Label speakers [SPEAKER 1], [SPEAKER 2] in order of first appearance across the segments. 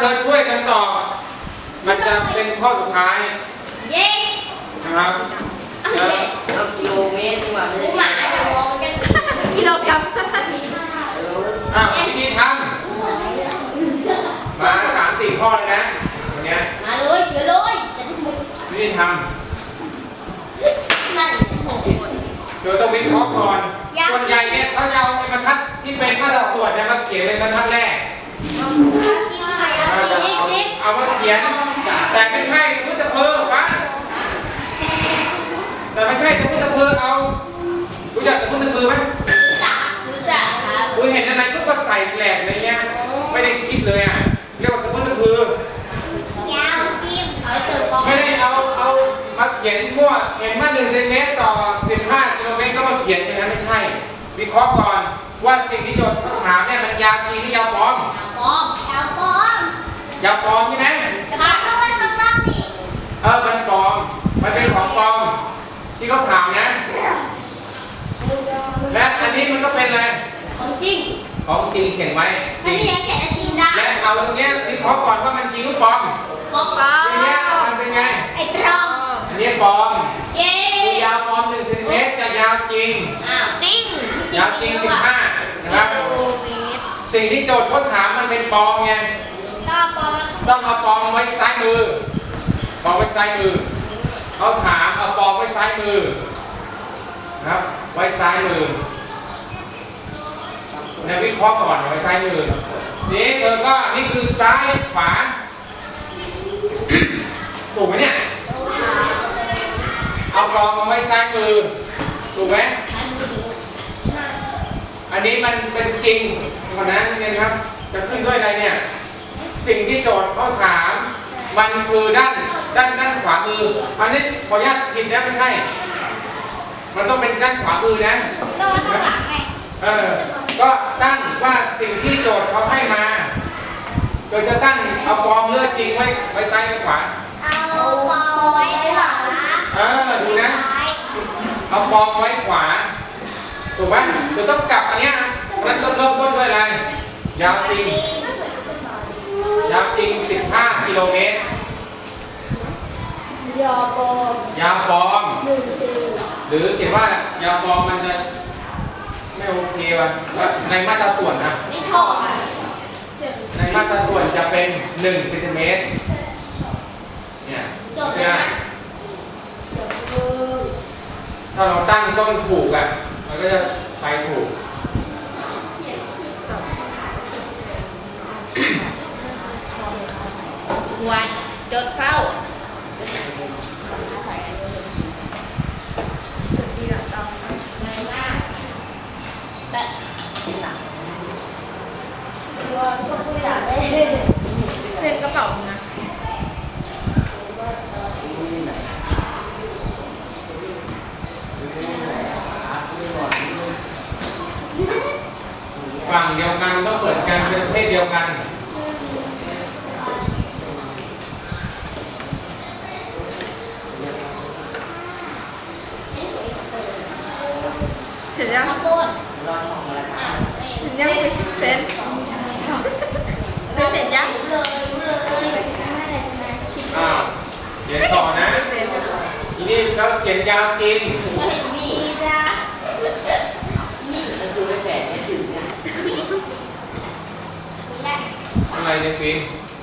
[SPEAKER 1] เธอช่วยกันตอบมันจะเป็นข้อสุดท้าย
[SPEAKER 2] yes
[SPEAKER 1] นะครับ
[SPEAKER 3] เอากิโลเมตรดีกว่าไม่
[SPEAKER 2] หมู
[SPEAKER 3] ได้
[SPEAKER 2] หมาจะมองมันกันกิโลกรัม
[SPEAKER 1] วิธีทำมา3-4 ข้อเลยนะวันนี้
[SPEAKER 2] มาเลยเฉยเลยจะได้หมด
[SPEAKER 1] วิธีท
[SPEAKER 2] นั่น
[SPEAKER 1] ำเดี๋ยวต้องวิเคราะห์ก่อนส่วนใหญ่เนี่ยเขาจะเอาไอ้บรรทัดที่เป็นมาตราส่วนเนี่ยมาเขียนเป็นบรรทัดแรก
[SPEAKER 2] จริงค่ะจริง
[SPEAKER 1] เอามาเขียนแต่ไม่ใช่สมมติเธอวะแต่ไม่ใช่สมมติเธอเอารู้จักสมมติเธอไหม
[SPEAKER 2] รู้จักครับ
[SPEAKER 1] คุณเห็นอะไรก็ใส่แหลกอะไรเงี้ยไม่ได้คิดเลยอ่ะเรียกว่าสมมติเธอย
[SPEAKER 2] าวจิ้มเอาเติมฟอง
[SPEAKER 1] ไม่ได้เอามาเขียนมั่วเห็นว่า1 เซนติเมตรต่อ 15 กิโลเมตรก็มาเขียนอย่างนั้นไม่ใช่วิเคราะห์ก่อนว่าสิ่งที่โจทย์เขาถามเนี่ยมันยาวจริงหรือยาวปลอม
[SPEAKER 2] ฟองยาวฟอง
[SPEAKER 1] ยาวปลอมใช่ไหม
[SPEAKER 2] จะมาต้องไว้ข้างล่างนี่
[SPEAKER 1] มันปลอมมันเป็นของปลอมที่เขาถามนะและอันนี้มันก็เป็นอะไร
[SPEAKER 2] ของจริง
[SPEAKER 1] ของจริงเขียนไว้
[SPEAKER 2] อันนี้ยังแกะจริงได้
[SPEAKER 1] และเอาตรงเนี้ยวิเคราะห์ก่อนว่ามันจริงหรือปลอม
[SPEAKER 2] ฟองฟอ
[SPEAKER 1] ทีเนี้ยมันเป็นไง
[SPEAKER 2] ไอ้ปลอม
[SPEAKER 1] อันนี้ปลอม
[SPEAKER 2] เย้
[SPEAKER 1] คือยาวปลอม1 เซนติเมตรจะยาวจริง
[SPEAKER 2] อ้าวจริง
[SPEAKER 1] ยาวจริง 15 นะครับ
[SPEAKER 2] กิโลเมตร
[SPEAKER 1] สิ่งที่โจทย์เขาถามมันเป็นปลอมไง
[SPEAKER 2] ก็ปลอม
[SPEAKER 1] ต้องเอาปลอมไว้ซ้ายมือปลอมไว้ซ้ายมือเขาถามเอาปลอมไว้ซ้ายมือนะครับไว้ซ้ายมือในวิเคราะห์ก่อนไว้ซ้ายมือนี่เธอก็นี่คือซ้ายขวาถูกไหมเนี่ยเอาปลอมมาไว้ซ้ายมือถูกไหมอันนี้มันเป็นจริงขนาดนั้นเนี่ยครับจะขึ้นด้วยอะไรเนี่ยสิ่งที่โจทย์เขาถามมันคือด้านขวามืออันนี้ขออนุญาตผิดนะไม่ใช่มันต้องเป็นด้านขวามือนะ
[SPEAKER 2] ต้องมาข้างหลังไง
[SPEAKER 1] ก็ตั้งว่าสิ่งที่โจทย์เขาให้มาโดยจะตั้งเอาฟอร์มเลือดจริงไว้ซ้ายไว้ขวา
[SPEAKER 2] เอาปลอมไว้ขวา
[SPEAKER 1] ดูนะเอาฟอร์มไว้ขวาถูกไหมเดี๋ยวต้องกลับอันเนี้ยนั้นต้องเริ่มต้นด้วยอะไรยาวจริง15 กิโลเมตร
[SPEAKER 2] ยอปลอม
[SPEAKER 1] ยาวฟอร์ม
[SPEAKER 2] 1
[SPEAKER 1] หรือเขียนว่ายาวฟอร์มมันจะไม่โอเคว่ะในมาตราส่วนนะ
[SPEAKER 2] ไม่ชอบอ่ะ
[SPEAKER 1] ในมาตราส่วนจะเป็น1 เซนติเมตรเนี่ย
[SPEAKER 2] จบเลยนะ
[SPEAKER 1] ถ้าเราตั้งต้นถูกอ่ะมันก็จะไปถูก
[SPEAKER 2] วันจดเข้าแบบว่าชอบผู้ใหญ่ได้เซ็นกระเป๋านะ
[SPEAKER 1] ฝั่งเดียวกันก็เปิดกันเป็นประเภทเดียวกัน
[SPEAKER 4] เห็นยัง
[SPEAKER 2] ข้าวโพด
[SPEAKER 3] รอช่องมาแล้วครับ
[SPEAKER 4] เห็นยังเฟซเห็นยัง
[SPEAKER 2] รู้เลย
[SPEAKER 1] อ้าวเขียนต่อนะ
[SPEAKER 4] เฟซ
[SPEAKER 1] ทีนี้เขาเขียนยาวจริง
[SPEAKER 2] มีจ้ะ
[SPEAKER 3] ก็คือไม่แฝงไม่ถึงนะ
[SPEAKER 1] อะไรเนี่ยฟิล์ม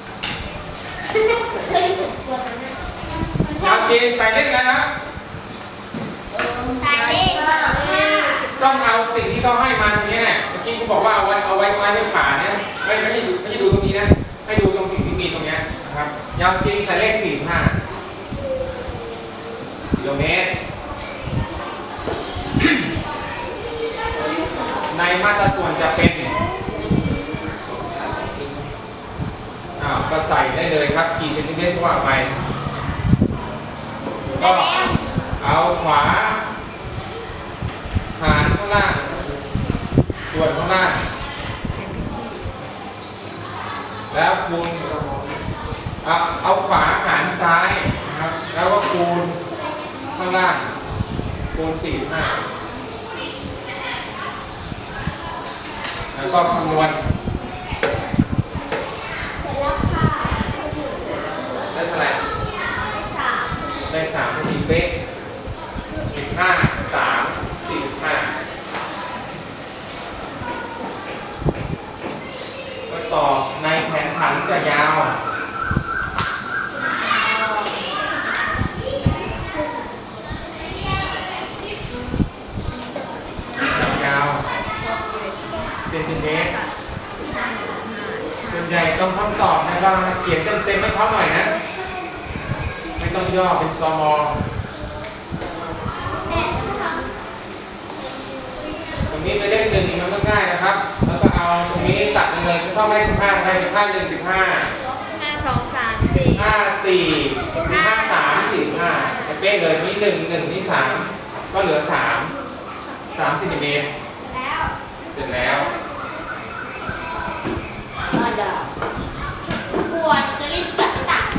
[SPEAKER 2] เคยถูกตัวนั้น
[SPEAKER 1] ยาวจริงใส่เลขอะไรนะ
[SPEAKER 2] ตายเลข25
[SPEAKER 1] ต้องเอาสิ่งที่เขาให้มาตรงนี้เนี่ยเมื่อกี้เขาบอกว่าเอาไว้ซ้ายไว้ขวาเนี่ยไม่ใช่ดูตรงนี้นะให้ดูตรงสิ่งที่มีตรงเนี้ยนะครับยาวจริงใส่เลข45 กิโลเมตร ในมาตราส่วนจะเป็นก็ใส่ได้เลยครับกี่เซนติเมตรก็ว่าไปก็เอาขวาหารข้างล่างส่วนข้างล่างแล้วคูณเอาขวาหารซ้ายนะครับแล้วก็คูณข้างล่างคูณ45แล้วก็คำนวณ
[SPEAKER 2] เสร็จแล้วค่ะ
[SPEAKER 1] เป๊ะ15 3 45ก็ต่อในแผนผันจะยาวยาวเซนติเมตรส่วนใหญ่ต้องคำตอบนะครับเขียนเต็มๆให้เขาหน่อยนะ ไม่ต้องย่อเป็นซมตรงนี้ไปเลข1มันก็ง่ายนะครับ แล้วก็เอาตรงนี้ตัดไปเลยเข้าไม่15ไป15 1 15
[SPEAKER 2] 5 2 3 4
[SPEAKER 1] 15 4 15 3 45จะเป๊ะเลยนี่1 1นี่3ก็เหลือ3 3 เซนติเมตร
[SPEAKER 2] แล้ว
[SPEAKER 1] เสร็จแล้ว